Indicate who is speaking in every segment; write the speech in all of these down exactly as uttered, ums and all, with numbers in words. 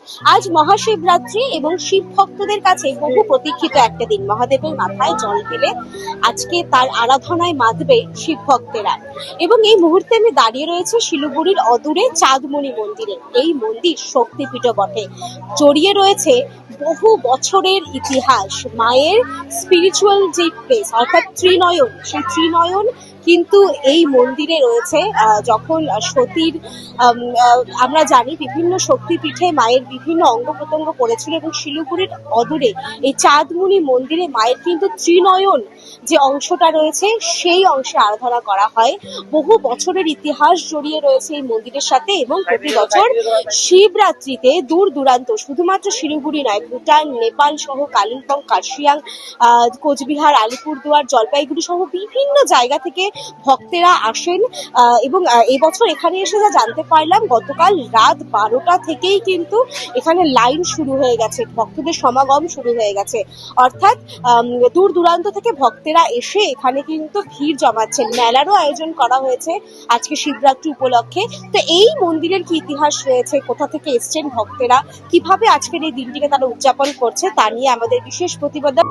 Speaker 1: আজ মহাশিবরাত্রি এবং শিব ভক্তদের কাছে বহু প্রতীক্ষিত একটা দিন। মহাদেবের মাথায় জল ঢেলে আজকে তার আরাধনায় মাতবে শিব ভক্তেরা। এবং এই মুহূর্তে আমি দাঁড়িয়ে রয়েছে শিলিগুড়ির অদূরে চাঁদমণি মন্দিরে। এই মন্দির শক্তিপীঠ বটে, জড়িয়ে রয়েছে বহু বছরের ইতিহাস। মায়ের স্পিরিচুয়াল যে প্লেস অর্থাৎ ত্রিনয়ন, সেই ত্রিনয়ন কিন্তু এই মন্দিরে রয়েছে। আহ, যখন সতীর আম, আহ, আমরা জানি বিভিন্ন শক্তিপীঠে মায়ের বিভিন্ন অঙ্গ প্রত্যঙ্গ পড়েছিল, এবং শিলিগুড়ির অদূরে এই চাঁদমণি মন্দিরে মায়ের কিন্তু ত্রিনয়ন যে অংশটা রয়েছে সেই অংশে আরাধনা করা হয়। বহু বছরের ইতিহাস জড়িয়ে রয়েছে এই মন্দিরের সাথে, এবং প্রতি বছর শিবরাত্রিতে দূর দূরান্ত, শুধুমাত্র শিলিগুড়ি নয়, ভুটান, নেপাল সহ কালিম্পং, কার্শিয়াং, আহ, কোচবিহার, আলিপুরদুয়ার, জলপাইগুড়ি সহ বিভিন্ন জায়গা থেকে ভক্তেরা আসেন। আহ, এবং আহ, এবছর এখানে এসে যা জানতে পারলাম, গতকাল রাত বারোটা থেকেই কিন্তু এখানে লাইন শুরু হয়ে গেছে, ভক্তদের সমাগম শুরু হয়ে গেছে। অর্থাৎ আম, দূর দূরান্ত থেকে ভক্তেরা এসে এখানে কিন্তু ভিড় জমাচ্ছেন। মেলারও আয়োজন করা হয়েছে আজকে শিবরাত্রি উপলক্ষে। তো এই মন্দিরের কি ইতিহাস রয়েছে, কোথা থেকে এসছেন ভক্তেরা, কিভাবে আজকের এই দিনটিকে তারা উদযাপন করছে, তা নিয়ে আমাদের বিশেষ প্রতিবেদন।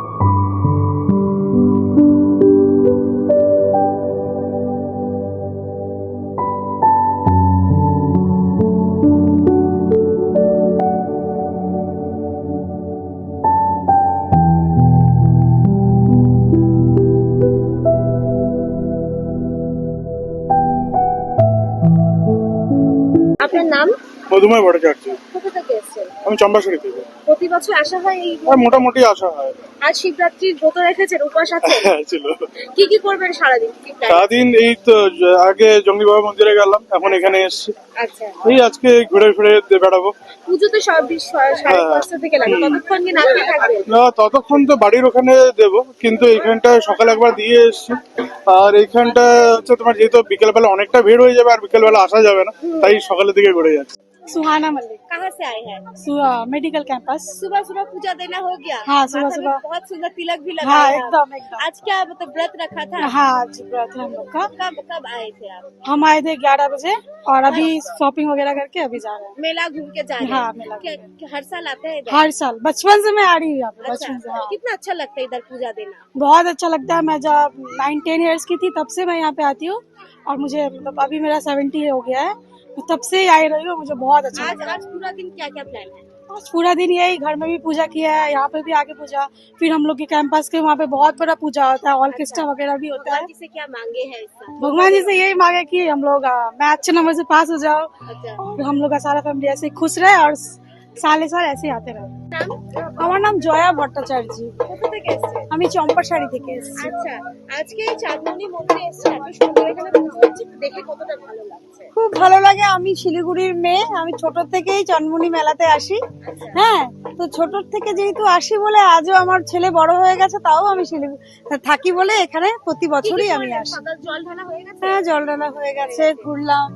Speaker 1: আপনার নাম?
Speaker 2: মধুময় ভট্টাচার্য।
Speaker 1: কোথা থেকে এসছেন?
Speaker 2: আমি চম্পাশাড়ি থেকে।
Speaker 1: প্রতি বছর আসা হয় এই
Speaker 2: আর মোটামুটি আসা হয়।
Speaker 1: আজ শিবরাত্রির ব্রত রেখেছেন, উপবাস আছে?
Speaker 2: হ্যাঁ ছিল।
Speaker 1: কি কি করবেন সারাদিন? কি plan?
Speaker 2: সারাদিন এই তো জ- আগে জঙ্গলি বাবা মন্দিরে গেলাম, এখন এখানে এসছি।
Speaker 1: আচ্ছা,
Speaker 2: এই আজকে ঘুরে ফিরে দে- বেড়াবো।
Speaker 1: পুজোতে সব বিশ- সাড়ে পাঁচটা থেকে লাগে, ততক্ষণ কি না খেয়ে থাকবেন?
Speaker 2: না, ততক্ষণ তো বাড়ির ওখানে দেব, কিন্তু এইখানটা সকালে একবার দিয়ে এসছি। আর এইখানটা হচ্ছে তোমার যেহেতু বিকেলবেলা অনেকটা ভিড় হয়ে যাবে, আর বিকেলবেলা আসা যাবে না, তাই সকালের দিকে ঘুরে যাচ্ছি।
Speaker 3: सुहाना मलिक
Speaker 1: कहाँ से आए हैं?
Speaker 3: Medical campus.
Speaker 1: सुबह सुबह पूजा देना हो गया?
Speaker 3: हाँ, सुबह
Speaker 1: माथा में
Speaker 3: सुबह।
Speaker 1: बहुत सुंदर तिलक भी लगा
Speaker 3: हाँ
Speaker 1: है।
Speaker 3: एकदम एकदम।
Speaker 1: आज क्या मतलब व्रत रखा था?
Speaker 3: हाँ आज व्रत है हम लोग का।
Speaker 1: कब कब आए थे आप?
Speaker 3: हम आए थे ग्यारह बजे और अभी शॉपिंग वगैरह करके अभी जा रहे हैं।
Speaker 1: मेला घूम के जा रहे हैं?
Speaker 3: हाँ, मेला घूम
Speaker 1: क्या- क्या हर साल आते हैं इधर?
Speaker 3: हर साल बचपन से मैं आ रही हूँ यहाँ पे,
Speaker 1: अच्छा,
Speaker 3: बचपन से। हाँ
Speaker 1: कितना अच्छा लगता है इधर पूजा देना?
Speaker 3: बहुत अच्छा लगता है। मैं जब नाइन टेन ईयर्स की थी तब से मैं यहाँ पे आती हूँ, और मुझे मतलब अभी मेरा सेवेंटी हो गया है, तो तब से ही आई रही हूँ। मुझे बहुत अच्छा
Speaker 1: आज
Speaker 3: लगता है।
Speaker 1: आज पूरा दिन क्या क्या प्लान है?
Speaker 3: आज पूरा दिन यही, घर में भी पूजा किया है, यहाँ पे भी आके पूजा, फिर हम लोग के कैंपस के वहाँ पे बहुत बड़ा पूजा होता है, ऑर्केस्ट्रा वगैरह भी होता है।
Speaker 1: भगवान जी से क्या मांगे हैं इस साल?
Speaker 3: भगवान जी से यही मांगे कि हम लोग आ, मैं अच्छे नंबर से पास हो जाओ,
Speaker 1: अच्छा,
Speaker 3: और हम लोग का सारा फैमिली ऐसे ही खुश रहे, और साले साल ऐसे ही आते रहे।
Speaker 1: নাম?
Speaker 3: আমার নাম জয়া ভট্টাচার্য।
Speaker 1: কোথা থেকে এসেছেন?
Speaker 3: আমি চম্পাশাড়ি থেকে এসেছি।
Speaker 1: আচ্ছা, আজকে এই চাঁদমণি মন্দিরে এসেছেন, এত সুন্দর এখানে পুজো হচ্ছে, দেখে কতটা ভালো লাগছে?
Speaker 3: খুব ভালো লাগে। আমি শিলিগুড়ির মেয়ে, আমি ছোট থেকেই চন্মনি মেলাতে আসি। হ্যাঁ, তো ছোট থেকে যেহেতু আসি বলে আজও আমার ছেলে বড় হয়ে গেছে, তাও আমি শিলিগুড়ি থাকি বলে এখানে প্রতি বছরই আমি আসি।
Speaker 1: সকাল জল ঢালা হয়ে গেছে?
Speaker 3: হ্যাঁ, জল ঢালা হয়ে গেছে, ঘুরলাম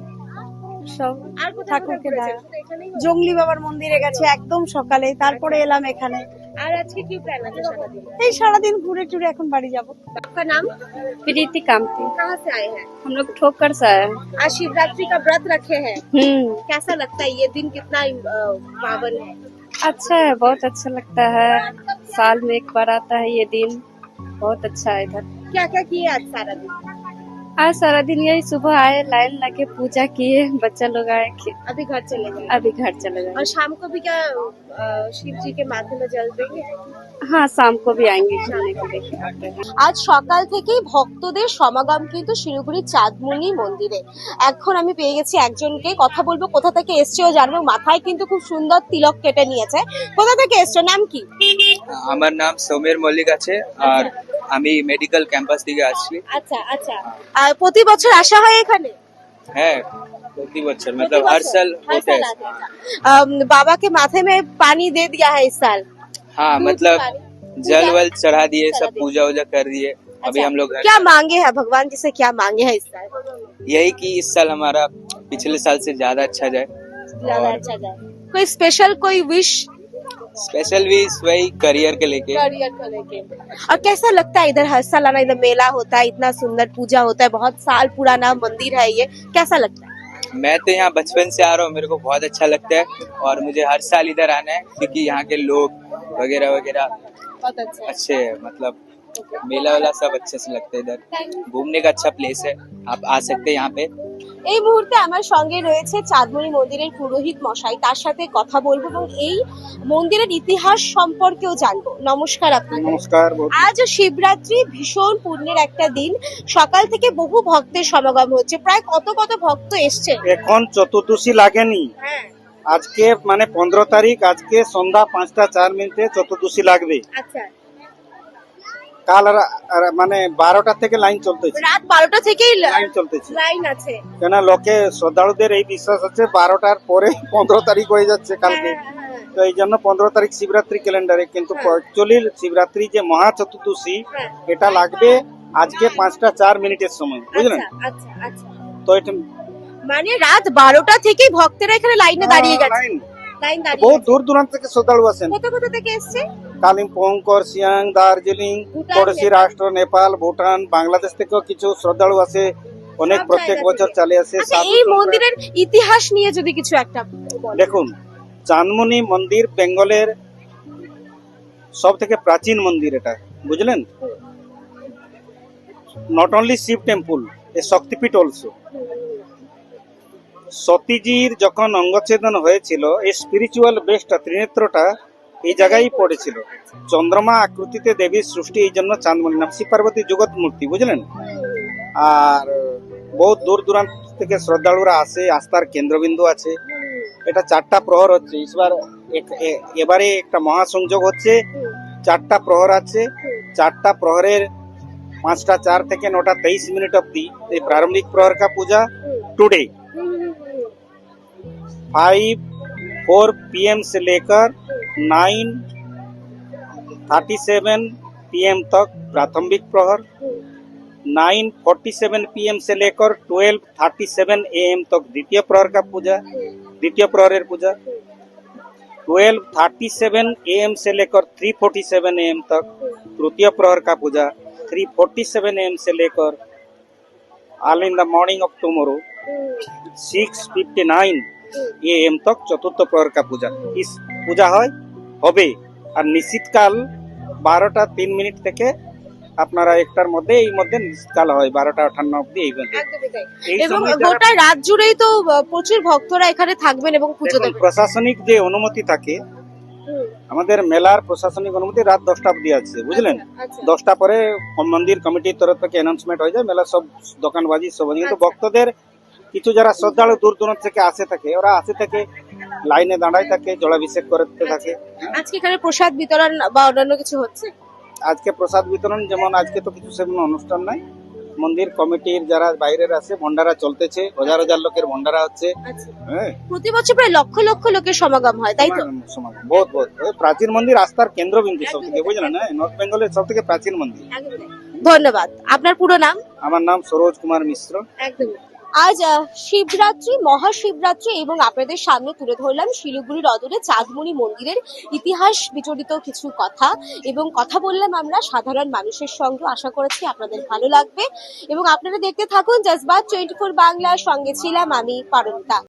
Speaker 3: সব
Speaker 1: আর কোথায়
Speaker 3: ঠাকুরকে
Speaker 1: কোথায়
Speaker 3: দেখা।
Speaker 1: ঘুরেছেন? শুধু এখানেই হলো?
Speaker 3: জঙ্গলি বাবার মন্দিরে গেছে একদম সকালে, তারপরে এলাম এখানে।
Speaker 1: আর আজকে কি প্ল্যান আছে সারাদিন?
Speaker 3: এই সারাদিন ঘুরে টুরে এখন বাড়ি যাব।
Speaker 1: आपका नाम?
Speaker 4: प्रीति कामती।
Speaker 1: कहाँ से आए हैं?
Speaker 4: हम लोग ठोकर से आए हैं।
Speaker 1: आज शिवरात्रि का व्रत रखे हैं,
Speaker 4: हम्म
Speaker 1: कैसा लगता है ये दिन? कितना अ, पावन है?
Speaker 4: अच्छा है, बहुत अच्छा लगता है। साल में एक बार आता है ये दिन, बहुत अच्छा है इधर।
Speaker 1: क्या क्या किए आज सारा दिन?
Speaker 4: आज सारा दिन यही सुबह आए, लाइन लगे, पूजा किए, बच्चा लोग आए, खे-
Speaker 1: अभी घर चले गए?
Speaker 4: अभी घर चले
Speaker 1: और
Speaker 4: गए।
Speaker 1: शाम को भी क्या अ, शिव जी के माथे में जल देंगे?
Speaker 4: हाँ, शाम को भी आएंगे खाने के लिए आते हैं।
Speaker 1: আজ সকাল থেকেই ভক্তদের সমাগম কিন্তু শিলিগুড়ির চাঁদমণি মন্দিরে। এখন আমি পেয়ে গেছি একজনকে, কথা বলবো, কোথা থেকে এসছে ও জানবো। মাথায় কিন্তু খুব সুন্দর তিলক কেটে নিয়েছে। কোথা থেকে এসছো, নাম কি?
Speaker 5: আমার নাম সৌমের মল্লিক আছে, আর আমি মেডিকেল ক্যাম্পাস থেকে আসছি।
Speaker 1: আচ্ছা আচ্ছা, আর প্রতি বছর আসা হয় এখানে?
Speaker 5: হ্যাঁ, প্রতি বছর मतलब हर साल
Speaker 1: हर
Speaker 5: होता
Speaker 1: साल
Speaker 5: है।
Speaker 1: आते हैं। अम, बाबा के माथे में पानी दे दिया है इस साल?
Speaker 5: हाँ,
Speaker 1: दूध
Speaker 5: मतलब
Speaker 1: पानी,
Speaker 5: जल
Speaker 1: पूजा-
Speaker 5: वल चढ़ा दिए,
Speaker 1: चढ़ा
Speaker 5: सब
Speaker 1: दिए।
Speaker 5: पूजा वूजा कर दिए। अभी
Speaker 1: अच्छा,
Speaker 5: हम लोग घर
Speaker 1: क्या मांगे हैं भगवान जी से, क्या मांगे हैं इस साल?
Speaker 5: यही कि इस साल हमारा पिछले साल से ज्यादा अच्छा जाए।
Speaker 1: ज्यादा
Speaker 5: और
Speaker 1: अच्छा जाए। कोई स्पेशल कोई विश
Speaker 5: स्पेशल भी वही करियर के लेके।
Speaker 1: करियर को लेके? और कैसा लगता है इधर हर साल आना? इधर मेला होता है, इतना सुंदर पूजा होता है, बहुत साल पुराना मंदिर है ये, कैसा लगता है?
Speaker 5: मैं तो यहाँ बचपन से आ रहा हूँ, मेरे को बहुत अच्छा लगता है और मुझे हर साल इधर आना है क्योंकि यहाँ के लोग वगैरह वगैरह
Speaker 1: बहुत अच्छा
Speaker 5: अच्छे हैं। मतलब मेला वाला सब अच्छे से लगता है, इधर घूमने का अच्छा प्लेस है, आप आ सकते हैं यहाँ पे।
Speaker 1: এই মুহূর্তে আমার সঙ্গে রয়েছে চাঁদমণি মন্দিরের পুরোহিত মশাই, তার সাথে কথা বলবো এবং এই মন্দিরের ইতিহাস সম্পর্কেও জানবো। নমস্কার আপনাকে।
Speaker 2: নমস্কার।
Speaker 1: আজ শিবরাত্রি, ভীষণ পুণ্যের একটা দিন, সকাল থেকে বহু ভক্তের সমাগম হচ্ছে। প্রায় কত কত ভক্ত এসছে?
Speaker 6: এখন চতুর্দশী লাগেনি,
Speaker 1: হ্যাঁ,
Speaker 6: আজকে মানে পনেরো তারিখ, আজকে সন্ধ্যা পাঁচটা চার মিনিটে চতুর্দশী লাগবে।
Speaker 1: আচ্ছা,
Speaker 6: কাল রা- রা- মানে বারোটা থেকে লাইন চলতেছে,
Speaker 1: রাত বারোটা থেকেই লা-
Speaker 6: লাইন চলতেছে।
Speaker 1: লাইন আছে।
Speaker 6: কেন লোকে শ্রদ্ধালুদের এই বিশ্বাস আছে বারোটার পরে পনেরো তারিখ হয়ে যাচ্ছে কালকে,
Speaker 1: হ্যাঁ, হ্যাঁ, হ্যাঁ।
Speaker 6: তো এই জন্য পনেরো তারিখ শিবরাত্রি ক্যালেন্ডারে, কিন্তু অ্যাকচুয়ালি শিবরাত্রি যে মহা চতুর্দশী
Speaker 1: হ্যাঁ।
Speaker 6: এটা লাগবে আজকে পাঁচটা চার মিনিটের সময়, বুঝলেন?
Speaker 1: আচ্ছা, আচ্ছা, আচ্ছা।
Speaker 6: তো এটা
Speaker 1: মানে রাত বারোটা থেকেই ভক্তেরা এখানে লাইনে দাঁড়িয়ে গেছে।
Speaker 6: লাইন
Speaker 1: লাইন দাঁড়িয়ে
Speaker 6: বহুত
Speaker 1: গেছে।
Speaker 6: দূর দূরান্ত থেকে শ্রদ্ধালু আসেন,
Speaker 1: কোথা কোথা থেকে এসছে?
Speaker 6: কালিম্পং, করসিয়াং, দার্জিলিং,
Speaker 1: ভুটান,
Speaker 6: পড়োশী
Speaker 1: নেপাল।
Speaker 6: রাষ্ট্র নেপাল, ভুটান, বাংলাদেশ থেকেও কিছু শ্রদ্ধালু আসে, অনেক
Speaker 1: সব
Speaker 6: প্রত্যেক
Speaker 1: জায়গা
Speaker 6: বছর
Speaker 1: থেকে।
Speaker 6: চলে আসে।
Speaker 1: আচ্ছা,
Speaker 6: সাধু
Speaker 1: এই
Speaker 6: সন্ন্যাস-
Speaker 1: মন্দিরের ইতিহাস নিয়ে যদি কিছু একটা বলেন।
Speaker 6: দেখুন, চাঁদমণি মন্দির বেঙ্গলের সব থেকে প্রাচীন মন্দির, এটা বুঝলেন? নট অনলি শিব টেম্পল, এ শক্তিপীঠ অলসো। সতীজির যখন অঙ্গচ্ছেদন হয়েছিল, এই স্পিরিচুয়াল বেসটা, ত্রিনেত্রটা এই জায়গায় পড়েছিল। চন্দ্রমা আকৃতিতে দেবীর সৃষ্টি, এই জন্য চাঁদমণি নাম। শিব পার্বতী জগৎ মূর্তি, বুঝলেন? আর বহুত দূর দূরান্ত থেকে শ্রদ্ধালুরা আসে, আস্থার কেন্দ্রবিন্দু আছে। এটা চারটা প্রহর হচ্ছে, এবার এক- এ- এবারে একটা মহাসংযোগ হচ্ছে, চারটা প্রহর আছে। চারটা প্রহরের পাঁচটা চার থেকে নটা তেইশ मिनट অব্দি এই प्रारंभिक प्रहर का puja today five four PM से लेकर नाइन थर्टी सेवन पीएम तक प्राथमिक प्रहर, नाइन फोर्टी सेवन पीएम से लेकर ट्वेल्व थर्टी सेवन एएम तक द्वितीय प्रहर का पूजा, द्वितीय प्रहरेर puja, twelve thirty seven AM से लेकर थ्री फोर्टी सेवन एएम तक तृतीय प्रहर का puja, three forty seven AM से लेकर early in the morning of tomorrow six fifty nine AM तक चतुर्थ प्रहर का पूजा। इस पूजा হয় হবে আর নিশীতকাল বারোটা তিন মিনিট থেকে আপনারা একটার মধ্যে, এই মধ্যে নিশীতকাল হয় বারোটা আটান্ন অব্দি, এই মধ্যে।
Speaker 1: একদমই তাই।
Speaker 6: এই
Speaker 1: এবং
Speaker 6: সময় যারা-
Speaker 1: গোটা রাত জুড়েই তো আহ, প্রচুর ভক্তরা এখানে থাকবেন এবং পুজো
Speaker 6: দেখুন,
Speaker 1: দেবেন।
Speaker 6: প্রশাসনিক যে অনুমতি থাকে,
Speaker 1: হুম,
Speaker 6: আমাদের মেলার প্রশাসনিক অনুমতি রাত দশটা অব্দি আছে, বুঝলেন?
Speaker 1: আচ্ছা,
Speaker 6: দশটা পরে মন্দির কমিটির তরফ থেকে অ্যানাউন্সমেন্ট হয়ে যায়, মেলা সব দোকানবাজি সব হয়ে যায়। কিন্তু
Speaker 1: আচ্ছা।
Speaker 6: ভক্তদের কিছু যারা শ্রদ্ধালু দূর দূরান্ত থেকে আসে থাকে, ওরা আসে থাকে লাইনে দাঁড়ায় থাকে, জলাভিষেক করতে থাকে।
Speaker 1: আজকে এখানে প্রসাদ বিতরণ বা অন্যান্য কিছু হচ্ছে?
Speaker 6: আজকে প্রসাদ বিতরণ, যেমন আজকে তো কিছু সেমন অনুষ্ঠান নাই, মন্দির কমিটির যারা বাইরের আছে ভন্ডারা চলতেছে, হাজার হাজার লোকের ভন্ডারা হচ্ছে।
Speaker 1: আচ্ছা,
Speaker 6: হ্যাঁ,
Speaker 1: প্রতি বছর প্রায় লক্ষ লক্ষ লোকের সমাগম হয়, তাই তো?
Speaker 6: সমাগম বহুত বহুত ওই প্রাচীন মন্দির, আস্থার কেন্দ্রবিন্দু সব থেকে, বুঝলেন? হ্যাঁ, নর্থ বেঙ্গলের সব থেকে প্রাচীন মন্দির।
Speaker 1: একদমই। ধন্যবাদ। আপনার পুরো নাম?
Speaker 6: আমার নাম সরোজ কুমার মিশ্র।
Speaker 1: একদমই। আজ আহ, শিবরাত্রি, মহাশিবরাত্রি, এবং আপনাদের সামনে তুলে ধরলাম শিলিগুড়ির অদূরে চাঁদমণি মন্দিরের ইতিহাস বিচরিত কিছু কথা, এবং কথা বললাম আমরা সাধারণ মানুষের সঙ্গে। আশা করেছি আপনাদের ভালো লাগবে এবং আপনারা দেখতে থাকুন জজবাত টোয়েন্টি ফোর বাংলা। সঙ্গে ছিলাম আমি পারমিতা।